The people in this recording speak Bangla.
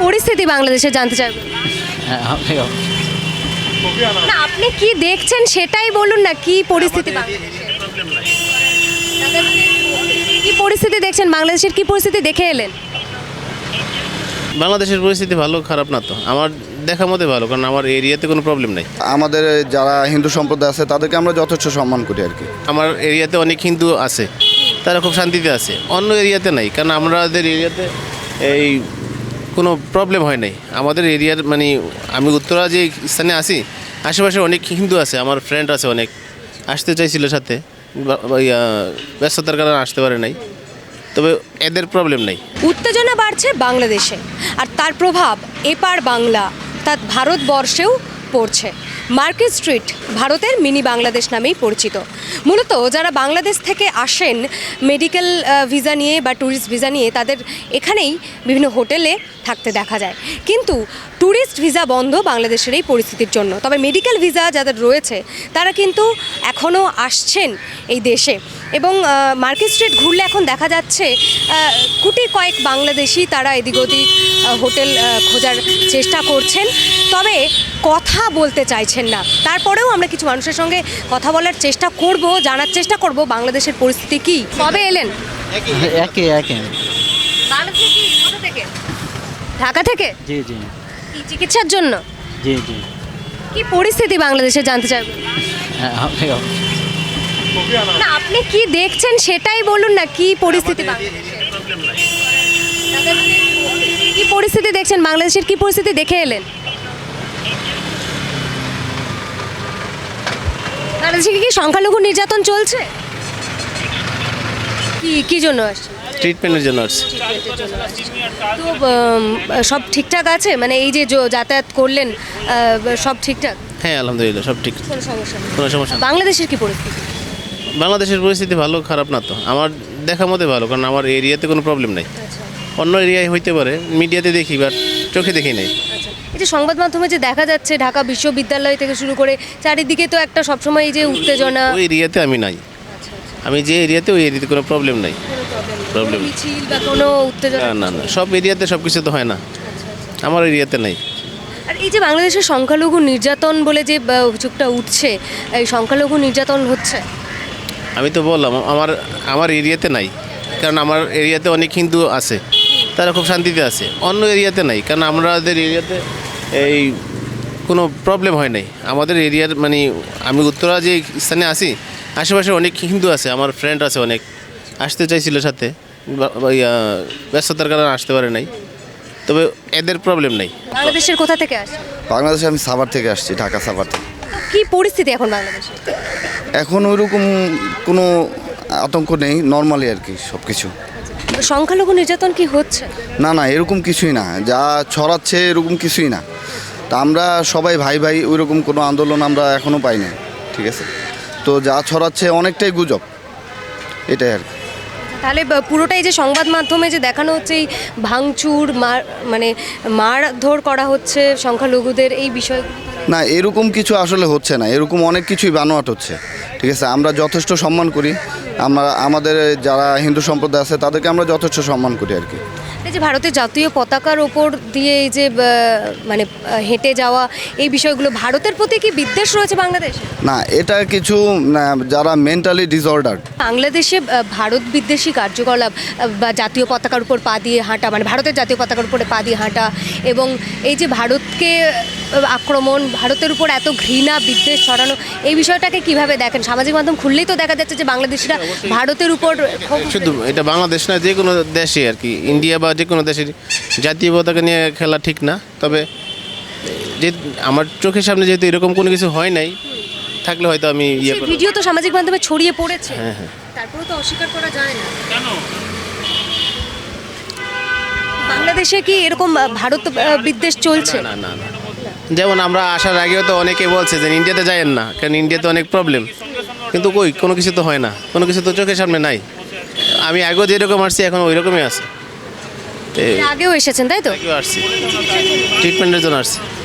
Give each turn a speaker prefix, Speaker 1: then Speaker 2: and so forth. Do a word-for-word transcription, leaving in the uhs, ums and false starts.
Speaker 1: পরিস্থিতি বাংলাদেশে জানতে চাইব। না আপনি কি দেখছেন সেটাই বলুন না, কি পরিস্থিতি বাংলাদেশে? কি পরিস্থিতি দেখছেন বাংলাদেশের, কি পরিস্থিতি দেখে এলেন?
Speaker 2: বাংলাদেশের পরিস্থিতি ভালো খারাপ না তো, আমার দেখা মতে ভালো, কারণ আমার এরিয়াতে কোনো প্রবলেম নাই।
Speaker 3: আমাদের যারা হিন্দু সম্প্রদায় আছে তাদেরকে আমরা যথেষ্ট সম্মান করি আর কি।
Speaker 2: আমার এরিয়াতে অনেক হিন্দু আছে, তারা খুব শান্তিতে আছে, অন্য এরিয়াতে নাই, কারণ আমাদের এরিয়াতে এই কোনো প্রবলেম হয় নাই। আমাদের এরিয়ার মানে আমি উত্তরা যে স্থানে আছি আশেপাশে অনেক হিন্দু আছে, আমার ফ্রেন্ড আছে অনেক, আসতে চাইছিল সাথে, ব্যস্ততার কারণে আসতে পারে নাই, তবে এদের প্রবলেম নেই।
Speaker 1: উত্তেজনা বাড়ছে বাংলাদেশে, আর তার প্রভাব এপার বাংলা তা ভারতবর্ষেও পড়ছে। মার্কেট স্ট্রিট ভারতের মিনি বাংলাদেশ নামেই পরিচিত। মূলত যারা বাংলাদেশ থেকে আসেন মেডিকেল ভিসা নিয়ে বা ট্যুরিস্ট ভিসা নিয়ে, তাদের এখানেই বিভিন্ন হোটেলে থাকতে দেখা যায়। কিন্তু ট্যুরিস্ট ভিসা বন্ধ বাংলাদেশের এই পরিস্থিতির জন্য। তবে মেডিকেল ভিসা যাদের রয়েছে তারা কিন্তু এখনও আসছেন এই দেশে, এবং মার্কেট স্ট্রিট ঘুরলে এখন দেখা যাচ্ছে কুটি কয়েক বাংলাদেশি তারা এদিক ওদিক হোটেল খোঁজার চেষ্টা করছেন, তবে কথা বলতে চাইছেন না। তারপরেও আমরা কিছু মানুষের সঙ্গে কথা বলার চেষ্টা করব, জানার চেষ্টা করব বাংলাদেশের পরিস্থিতি কী। কবে এলেন?
Speaker 4: একে একে
Speaker 1: বাংলাদেশে কি, কোথা থেকে? ঢাকা থেকে?
Speaker 4: জি জি
Speaker 1: কি চিকিৎসার জন্য?
Speaker 4: জি জি
Speaker 1: কি পরিস্থিতি বাংলাদেশে জানতে চাইব। না আপনি কি দেখছেন সেটাই বলুন না, কি পরিস্থিতি বাংলাদেশে? কি পরিস্থিতি দেখছেন বাংলাদেশের, কি পরিস্থিতি দেখে এলেন? বাংলাদেশে কি সংখ্যালঘু নির্যাতন চলছে? কি কি জন্য আসছে?
Speaker 2: ট্রিটমেন্টের জন্য আসছে।
Speaker 1: তো উম, সব ঠিকঠাক আছে, মানে এই যে য- যাতায়াত করলেন আহ, সব ঠিকঠাক?
Speaker 2: হ্যাঁ আলহামদুলিল্লাহ সব ঠিক,
Speaker 1: কোনো সমস্যা নেই।
Speaker 2: কোনো সমস্যা নেই।
Speaker 1: বাংলাদেশের কি পরিস্থিতি?
Speaker 2: বাংলাদেশের পরিস্থিতি ভালো খারাপ না তো, আমার দেখা মতে ভালো, কারণ আমার এরিয়াতে কোনো প্রবলেম নাই। অন্য এরিয়ায় হইতে পারে, মিডিয়াতে দেখি বাট চোখে দেখি নাই।
Speaker 1: আচ্ছা, এই যে সংবাদ মাধ্যমে যে দেখা যাচ্ছে ঢাকা বিশ্ববিদ্যালয় থেকে শুরু করে চারিদিকে তো একটা সবসময় এই যে উত্তেজনা,
Speaker 2: ওই এরিয়াতে আমি নাই, আমি যে এরিয়াতে ওই এরিয়াতে কোনো প্রবলেম নাই। প্রবলেম
Speaker 1: মিছিল বা কোনো উত্তেজনা?
Speaker 2: না না না, সব এরিয়াতে সব কিছু তো হয় না, আমার এরিয়াতে নাই।
Speaker 1: আর এই যে বাংলাদেশের সংখ্যালঘু নির্যাতন বলে যে বা, অভিযোগটা উঠছে, এই সংখ্যালঘু নির্যাতন হচ্ছে,
Speaker 2: আমি তো বললাম আমার আমার এরিয়াতে নাই, কারণ আমার এরিয়াতে অনেক হিন্দু আছে, তারা খুব শান্তিতে আছে, অন্য এরিয়াতে নাই, কারণ আমাদের এরিয়াতে এই কোনো প্রবলেম হয় নাই। আমাদের এরিয়ার মানে আমি উত্তরা যে স্থানে আছি আশেপাশে অনেক হিন্দু আছে, আমার ফ্রেন্ড আছে অনেক, আসতে চাইছিল সাথে, ব্যস্ততার কারণে আসতে পারে নাই, তবে এদের প্রবলেম নেই।
Speaker 1: বাংলাদেশের কোথা থেকে আসে?
Speaker 3: বাংলাদেশে আমি সাভার থেকে আসছি, ঢাকা সাভার থেকে।
Speaker 1: কি পরিস্থিতি এখন বাংলাদেশে?
Speaker 3: এখন ওইরকম কোনো আতঙ্ক নেই, নর্মালি আর কি সব কিছু।
Speaker 1: সংখ্যালঘু নির্যাতন কি হচ্ছে?
Speaker 3: না না এরকম কিছুই না, যা ছড়াচ্ছে এরকম কিছুই না। তা আমরা সবাই ভাই ভাই, ওইরকম কোনো আন্দোলন আমরা এখনও পাই না, ঠিক আছে? তো যা ছড়াচ্ছে অনেকটাই গুজব, এটাই আর কি।
Speaker 1: তাহলে ব- পুরোটাই যে সংবাদ মাধ্যমে যে দেখানো হচ্ছে এই ভাঙচুর মার মানে মারধর করা হচ্ছে সংখ্যালঘুদের, এই বিষয়
Speaker 3: না এরকম কিছু আসলে হচ্ছে না, এরকম অনেক কিছুই বানোয়াট হচ্ছে, ঠিক আছে? আমরা যথেষ্ট সম্মান করি, আমরা আমাদের যারা হিন্দু সম্প্রদায় আছে তাদেরকে আমরা যথেষ্ট সম্মান করি আর কি।
Speaker 1: এই যে ভারতের জাতীয় পতাকার ওপর দিয়ে এই যে আহ, মানে আহ, হেঁটে যাওয়া, এই বিষয়গুলো ভারতের প্রতি কি বিদ্বেষ রয়েছে বাংলাদেশে?
Speaker 3: না এটা কিছু না, যারা মেন্টালি ডিসঅর্ডার।
Speaker 1: বাংলাদেশে আহ, ভারত বিদ্বেষী কার্যকলাপ আহ, বা জাতীয় পতাকার উপর পা দিয়ে হাঁটা, মানে ভারতের জাতীয় পতাকার উপরে পা দিয়ে হাঁটা, এবং এই যে ভারতকে আহ, আক্রমণ, ভারতের উপর এত ঘৃণা বিদ্বেষ ছড়ানো, এই বিষয়টাকে কিভাবে দেখেন? সামাজিক মাধ্যম খুললেই তো দেখা যাচ্ছে যে বাংলাদেশিরা ভারতের উপর ক্ষোভ-
Speaker 2: শুধু এটা বাংলাদেশ না, যে কোনো দেশে আর কি, ইন্ডিয়া বা যে কোনো দেশের জাতীয় পতাকা নিয়ে খেলা ঠিক না। তবে যে আমার চোখের সামনে যেহেতু এরকম কোনো কিছু হয় নাই, থাকলে হয়তো আমি ইয়ে
Speaker 1: সেই
Speaker 2: করব।
Speaker 1: ভিডিও তো সামাজিক মাধ্যমে ছড়িয়ে পড়েছে,
Speaker 2: হ্যাঁ হ্যাঁ
Speaker 1: তারপরেও তো অস্বীকার করা যায় না। বাংলাদেশে কি এরকম আহ, ভারত আহ, বিদ্বেষ চলছে?
Speaker 2: না না না, যেমন আমরা আসার আগেও তো অনেকে বলছে যে ইন্ডিয়াতে যায়েন না, কারণ ইন্ডিয়াতে অনেক প্রবলেম, কিন্তু কই কোনো কিছু তো হয় না, কোনো কিছু তো চোখের সামনে নাই। আমি আগেও যেরকম আসছি এখন ওই রকমই আছে,
Speaker 1: আগেও এসেছেন তাই তো?
Speaker 2: আসছি ট্রিটমেন্টের জন্য আসছি।